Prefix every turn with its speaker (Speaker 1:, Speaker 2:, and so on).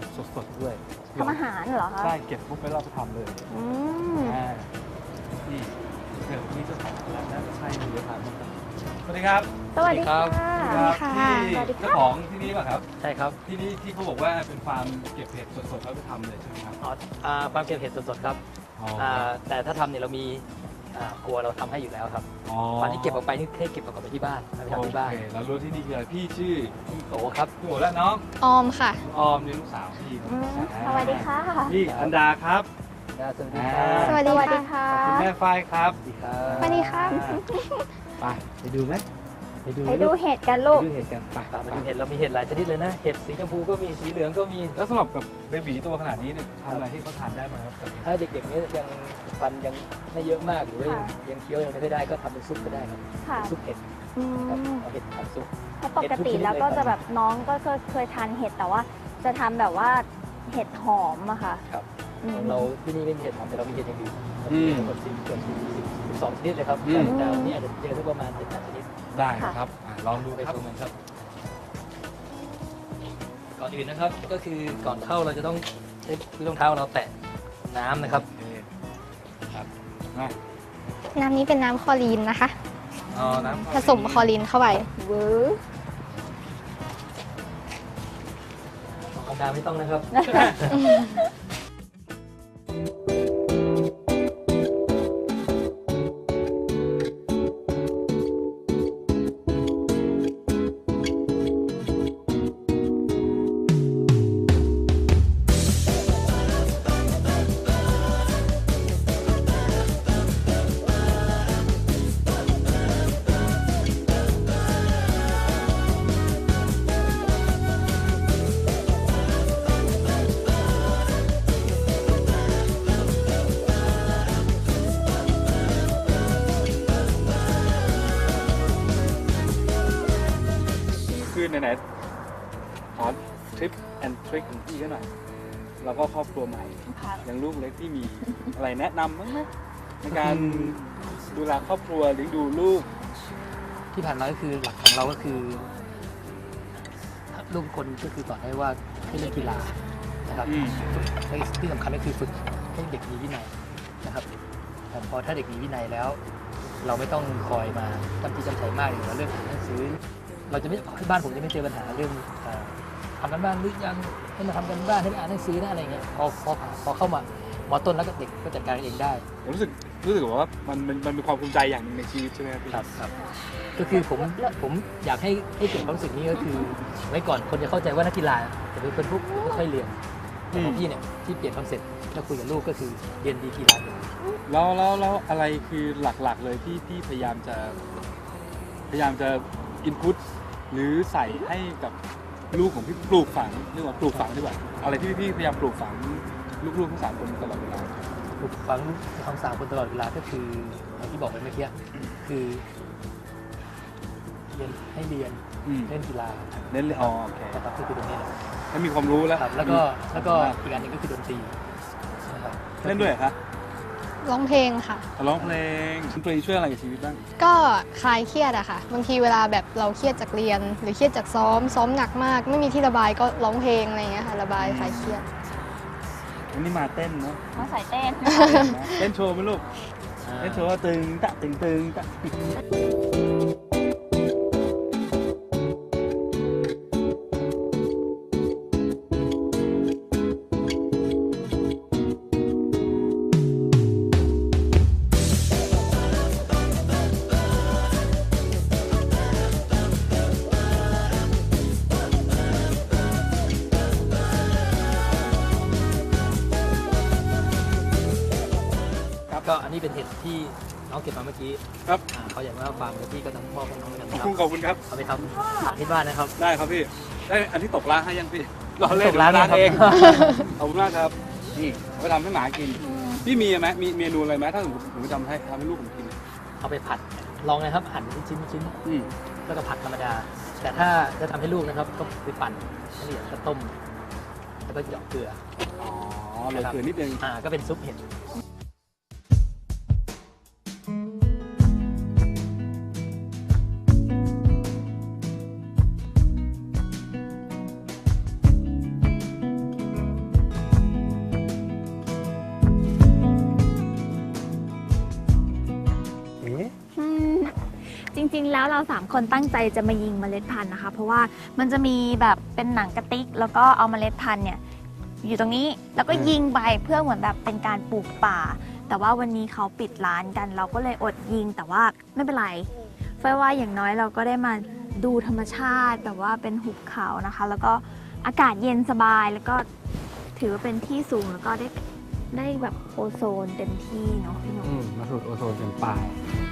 Speaker 1: สดๆด้วย
Speaker 2: ทำอาหารเหรอคะ
Speaker 1: ใช่เก็บปุ๊บแล้วเราไปทำเลยนี่เดี๋ยวนี้เจ้าของร้านน่าจะใช่เลยเยอะมากสวัสดีครับ
Speaker 2: สวัสดีค่ะ
Speaker 1: ที่เจ้าของที่นี่ป่ะครับ
Speaker 3: ใช่ครับ
Speaker 1: ที่นี่ที่เขาบอกว่าเป็นฟาร์มเก็บเห็ดสดๆแล้วไปทำเลยใช่ไหมครับ
Speaker 3: ฟาร์มเก็บเห็ดสดๆครับ แต่ถ้าทำเนี่ยเรามีครัวเราทำให้อยู่แล้วครับตอนที่เก็บออกไปนี่แค่เก็บออกไปที่บ้านไปทำที่บ้าน
Speaker 1: แล้วรู้ที่นี่คือพี่ชื่อ
Speaker 3: โตครับ
Speaker 1: พี่โอและน้อง
Speaker 4: ออมค่ะ
Speaker 1: ออมนี่ลูกสาวพี่
Speaker 2: สวัสดีค่ะ
Speaker 1: พี่อันดาครับ
Speaker 3: สวัสดีครับ
Speaker 4: สวัส
Speaker 2: ส
Speaker 4: ดี
Speaker 2: วัสดี
Speaker 4: ค่ะ
Speaker 2: ค่ะ
Speaker 1: คุณแม่ฝ้ายครับ
Speaker 3: สวัสดีครับ
Speaker 4: สวัสดีครับ
Speaker 1: ไปดูไหม
Speaker 2: ไปดูเห็ดกันลูก
Speaker 1: ดูเห็ดกันไป
Speaker 3: มาดูเห็ดเรามีเห็ดหลายชนิดเลยนะ เห็ดสีชมพูก็มีสีเหลืองก็มี
Speaker 1: แล้วสำหรับกับเบบีตัวขนาดนี้เนี่ยทำอะไรที่เขาทานได้ไหมครับ
Speaker 3: ถ้าเด็กๆนี้ยังฟันยังไม่เยอะมากหรือว่ายังเคี้ยวยังไม่ค่อยได้ก็ทำเป็นซุปก็ได้ครับ
Speaker 2: ค่ะ
Speaker 3: ซุปเห็ด
Speaker 2: อื
Speaker 3: ครับ
Speaker 2: ม
Speaker 3: เอาเห็ดทำซุป
Speaker 2: เพราะปกติแล้วก็จะแบบน้องก็เคยทานเห็ดแต่ว่าจะทำแบบว่าเห็ดหอมอะค่ะ
Speaker 3: ครับ
Speaker 2: อืม
Speaker 3: เราที่นี่ไม่มีเห็ดหอมแต่เรามีเห็ดอย่างอื่นเรามีเห็ดทั้งหมด12 ชนิดเลยครับแต่วันนี้อาจจะเจอสักประมาณ7-8 ชนิด
Speaker 1: ได้ครับลองดู
Speaker 3: ไป
Speaker 1: ครับ
Speaker 3: ชมกันครับ ก่อนอื่นนะครับก็คือก่อนเข้าเราจะต้องใช้รองเท้าเราแตะน้ำนะครับ
Speaker 1: ครับมา
Speaker 4: น้ำนี้เป็นน้ำคลอรีนนะคะ
Speaker 1: เอาน้ำ
Speaker 4: ผสมคลอรีนเข้าไป
Speaker 2: เวอร์
Speaker 3: ออกกำลังกายไม่ต้องนะครับ
Speaker 1: คือไหนๆขอทริปแอนทริคของพี่ก็หน่อยแล้วก็ครอบครัวใหม่
Speaker 2: ค่ะ
Speaker 1: ยังลูกเล็กที่มีอะไรแนะนำบ้างไหมในการดูแลครอบครัวหรือดูลูก
Speaker 3: ที่ผ่านมาก็คือหลักของเราก็คือลูกคนก็คือสอนให้ว่าให้เล่นกีฬานะครับและที่สำคัญก็คือฝึกให้เด็กมีวินัยนะครับแต่พอถ้าเด็กมีวินัยแล้ว เราไม่ต้องคอยมาจำที่จำใจมากอย่างเรื่องอ่านหนังสือ เราจะไม่ที่บ้านผมจะไม่เจอปัญหาเรื่องทำกันบ้านหรือยังให้มาทำกันบ้านให้มาอ่านหนังสือนะอะไรเงี้ยพอเข้ามามอต้นแล้วก็เด็กก็จัดการเองได้
Speaker 1: ผมรู้สึกว่ามันเป็นความภูมิใจอย่างหนึ่งในชีวิตใช่ไหมครับพี่
Speaker 3: ครับก็คือผมอยากให้เกิดความรู้สึกนี้ก็คือไว้ก่อนคนจะเข้าใจว่านักกีฬาจะเป็นพวกไม่ค่อยเรียนแต่ของพี่เนี่ยที่เปลี่ยนคอนเซ็ปต์แล้วคุยกับลูกก็คือเรียนดีกีฬา
Speaker 1: แล้วอะไรคือหลักๆเลยที่พี่พยายามจะอินพุตหรือใส่ให้กับลูกของพี่ปลูกฝังเรียกว่าปลูกฝังดีกว่าอะไรที่พี่พยายามปลูกฝังลูกๆทั้ง3 คนตลอดเวลา
Speaker 3: ปลูกฝังความสามคนตลอดเวลาก็คืออย่างที่บอกไปเมื่อกี้คือเรียนให้เรียนเล่นกีฬา
Speaker 1: เน้นเลยโอเค
Speaker 3: นะครับก็คือตรงนี้นะ
Speaker 1: ให้มีความรู้แล้ว
Speaker 3: ครับแล้วก็อีกอันหนึงก็คือดนตรีนะครับ
Speaker 1: เล่นด้วยเหรอคะ
Speaker 4: ร้องเพลงค่ะ
Speaker 1: ร้องเพลงดนตรีช่วยอะไรกับชีวิตบ้าง
Speaker 4: ก็คลายเครียดอะค่ะ บางทีเวลาแบบเราเครียดจากเรียน หรือเครียดจากซ้อมหนักมาก ไม่มีที่ระบายก็ร้องเพลงอะไรอย่างเงี้ยค่ะ ระบายคลายเครียด
Speaker 1: วันนี้มาเต้นเนาะ
Speaker 2: มาใส่เต้น
Speaker 1: เต้นโชว์ไหมลูกเต้นโชว์ว่าตึงตะตึงตึงตะ
Speaker 3: ก็อันนี้เป็นเห็ดที่น้องเก็บมาเมื่อกี้
Speaker 1: ครับ
Speaker 3: เขาอยากมาฟาร์มกับพี่ก็ต้องพ่อของน้องเหมือนกันนะครับ
Speaker 1: ขอบคุณครับ
Speaker 3: เอาไปทำที่บ้านนะครับ
Speaker 1: ได้ครับพี่ได้อันที่ตกร้านให้ยังพี่รอเล่น
Speaker 3: ตกร้าน
Speaker 1: เอง
Speaker 3: ครับ
Speaker 1: ขอบคุณมากครับนี่เอาไปทำให้หมากินพี่มีไหมมีเมนูอะไรไหมถ้าสมมติผมทำให้ลูกผมกิน
Speaker 3: เอาไปผัดลองนะครับหั่นเป็นชิ้น
Speaker 1: อืม
Speaker 3: แล้วก็ผัดธรรมดา แต่ถ้าจะทำให้ลูกนะครับก็ไปปั่นให้ละเอียดก็ต้มแล้วก็หยอกเกลือ
Speaker 1: อ๋อเหลือเกลือนิดนึง
Speaker 3: ก็เป็นซุปเห็ด
Speaker 2: ริงๆ แล้วเรา3คนตั้งใจจะมายิงเมล็ดพันธุ์นะคะ เพราะว่ามันจะมีแบบเป็นหนังกระติกแล้วก็เอาเมล็ดพันธุ์เนี่ยอยู่ตรงนี้แล้วก็ยิงไปเพื่อเหมือนแบบเป็นการปลูกป่า แต่ว่าวันนี้เขาปิดร้านกัน เราก็เลยอดยิงแต่ว่าไม่เป็นไรเฟยว่าอย่างน้อยเราก็ได้มาดูธรรมชาติแบบว่าเป็นหุบเขานะคะ แล้วก็อากาศเย็นสบายแล้วก็ถือว่าเป็นที่สูงแล้วก็ได้แบบโอโซนเต็มที่เนาะพี่หนุ่ม
Speaker 5: มาสูดโอโซนกันป่าย